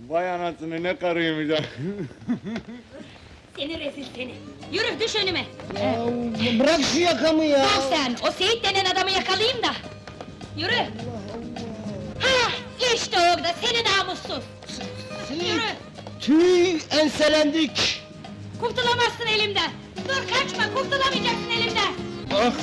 Vay anasını, ne karıymış ha! Seni rezil seni! Yürü, düş önüme! Ya, bırak şu yakamı ya! Dur sen, o Seyit denen adamı yakalayayım da! Yürü! Hah, işte orada, seni namussuz! Yürü! Tüy, enselendik! Kurtulamazsın elimden! Dur kaçma, kurtulamayacaksın elimden! Ah!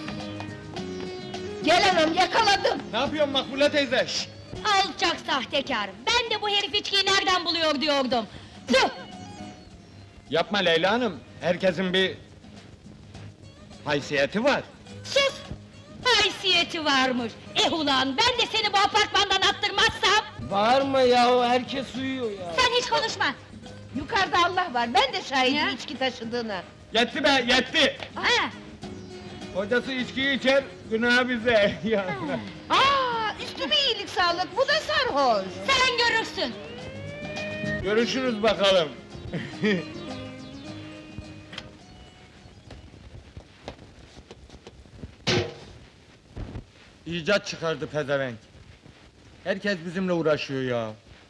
Gel anam, yakaladım! Ne yapıyorsun Makbule teyze? Şşt! Alçak sahtekâr! Ben de bu herif içkiyi nereden buluyor diyordum! Tüh! Yapma Leyla Hanım, herkesin bir... haysiyeti var. Sus! Haysiyeti varmış! Ulan, ben de seni bu apartmandan attırmazsam... Bağırma ya, herkes uyuyor ya! Sen hiç konuşma! Yukarıda Allah var, ben de şahidim Ya. içki taşıdığına. Yetti be, yetti! Ha! Kocası içkiyi içer, günah bize! Ya. Aa, üstüme iyilik sağlık, bu da sarhoş. Sen görürsün! Görüşürüz bakalım! İcat çıkardı pezevenk! Herkes bizimle uğraşıyor ya!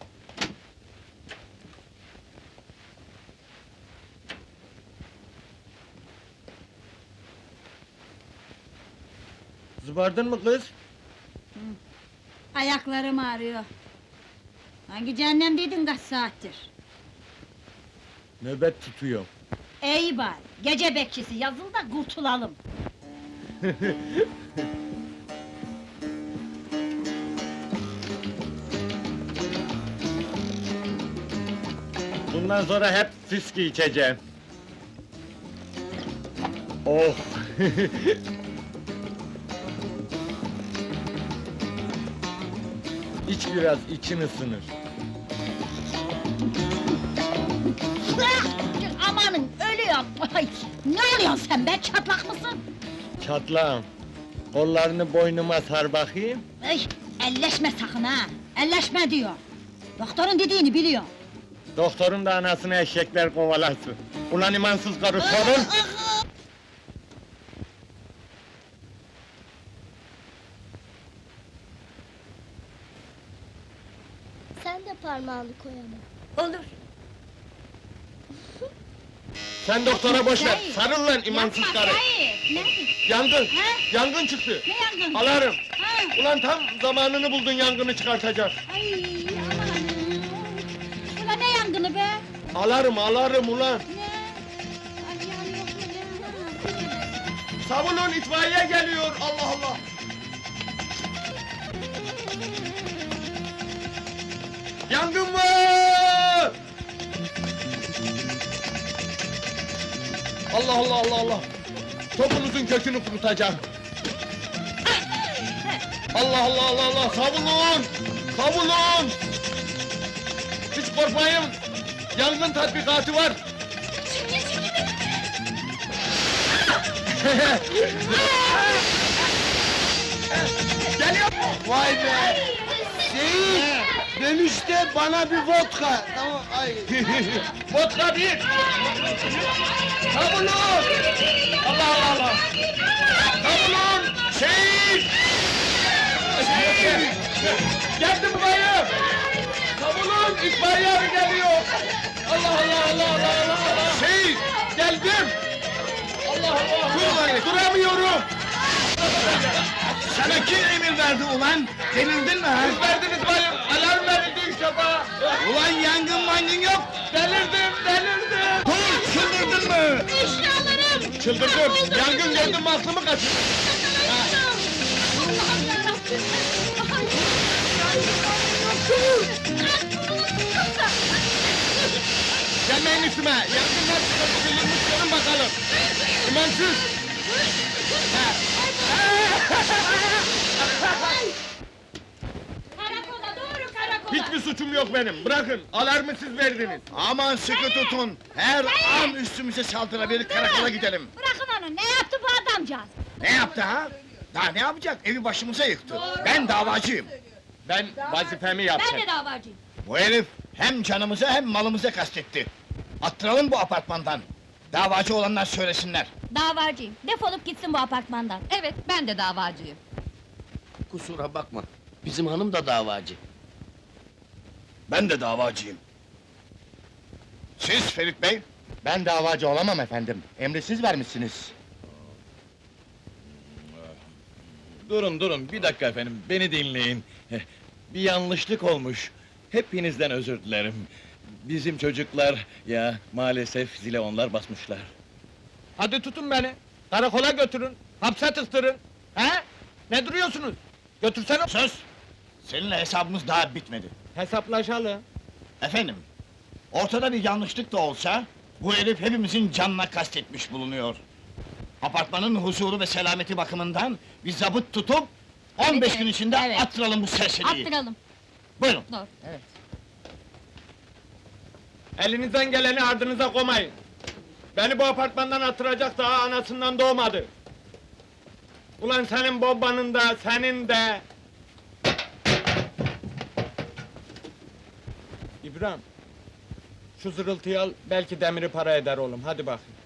Zıbardın mı kız? Ayaklarım ağrıyor. Hangi cehennemdeydin kaç saattir? Nöbet tutuyor. İyi bari, gece bekçisi yazıl da kurtulalım. Bundan sonra hep fiski içeceğim. Oh! İç biraz, için ısınır. Amanın, ölüyorum! Ay, ne oluyorsun sen be, çatlak mısın? Çatlağım. Kollarını boynuma sar bakayım. Ay, elleşme sakın ha! Elleşme diyor! Doktorun dediğini biliyor. Doktorun da anasını eşekler kovalasın. Ulan imansız karı sorun! Sen de parmağını koy ama. Olur. Sen doktora boş ver, Hayır. sarıl lan imansız Yapma, karı! hayır! Ne? Yangın! Ha? Yangın çıktı! Ne yangın? Alarm! Ha? Ulan tam zamanını buldun yangını çıkartacak! Ay, aman! Ulan ne yangını be? Alarm, alarm ulan! Ne? Ay, ya yok mu ne? Savunun, itfaiye geliyor! Allah Allah! Yangın var! Allah Allah Allah Allah! Topunuzun kökünü kurutacağım! Allah Allah Allah Allah! Savunun! Savunun! Hiç korkmayın! Yangın tatbikatı var! Geliyor! Vay be! Seyit! Dönüşte bana bir vodka! Tamam, ay! Vodka değil! Savunun! Allah Allah Allah! Savunun! Şehit! Geldim bayım! Savunun! İtfaiye abi geliyor! Allah Allah Allah Allah Allah Allah! Şehit! Geldim! Allah Allah! Dur bayım! Duramıyorum! Sana kim emir verdi ulan? Delirdin mi ha? Siz verdiniz bayım! Alarm verildi 3 defa! Ulan yangın mangın yok! Delirdim! Delirdim! Dur, çıldırdın mı? İşte alırım! Çıldırdım! Yangın geldi mi aklımı kaçırdı! Allah'ım yarabbim! Gelmeyin üstüme! Yangınlar çıkartılmış, görün bakalım! İmansız! Karakola, doğru karakola! Hiçbir suçum yok benim, bırakın! Alarmı siz verdiniz! Aman sıkı tutun! Her an üstümüze saldırabilir, karakola gidelim! Bırakın onu, ne yaptı bu adamcağız? Ne yaptı ha? Daha ne yapacak? Evi başımıza yıktı! Ben davacıyım! Ben vazifemi yaptım! Ben de davacıyım! Bu herif hem canımıza hem malımıza kastetti! Attıralım bu apartmandan! Davacı olanlar söylesinler! Davacıyım, defolup gitsin bu apartmandan! Evet, ben de davacıyım. 'Kusura bakma, bizim hanım da davacı. Ben de davacıyım. Siz Ferit Bey? Ben davacı olamam efendim. Emri siz vermişsiniz. Durun, bir dakika efendim, beni dinleyin. Bir yanlışlık olmuş. Hepinizden özür dilerim. Bizim çocuklar, ya maalesef zile onlar basmışlar. Hadi tutun beni. Karakola götürün. Hapse tıktırın. He? Ne duruyorsunuz? Götürsene. Söz! Seninle hesabımız daha bitmedi. Hesaplaşalım. Efendim, ortada bir yanlışlık da olsa, bu herif hepimizin canına kastetmiş bulunuyor. Apartmanın huzuru ve selameti bakımından bir zabıt tutup 15 Evet, gün içinde evet. attıralım bu serseriyi. Attıralım. Buyurun. Dur. Elinizden geleni ardınıza koymayın. Beni bu apartmandan attıracak daha anasından doğmadı. Ulan senin babanın da, senin de... İbrahim, şu zırıltıyı al, belki demiri para eder oğlum, hadi bakayım.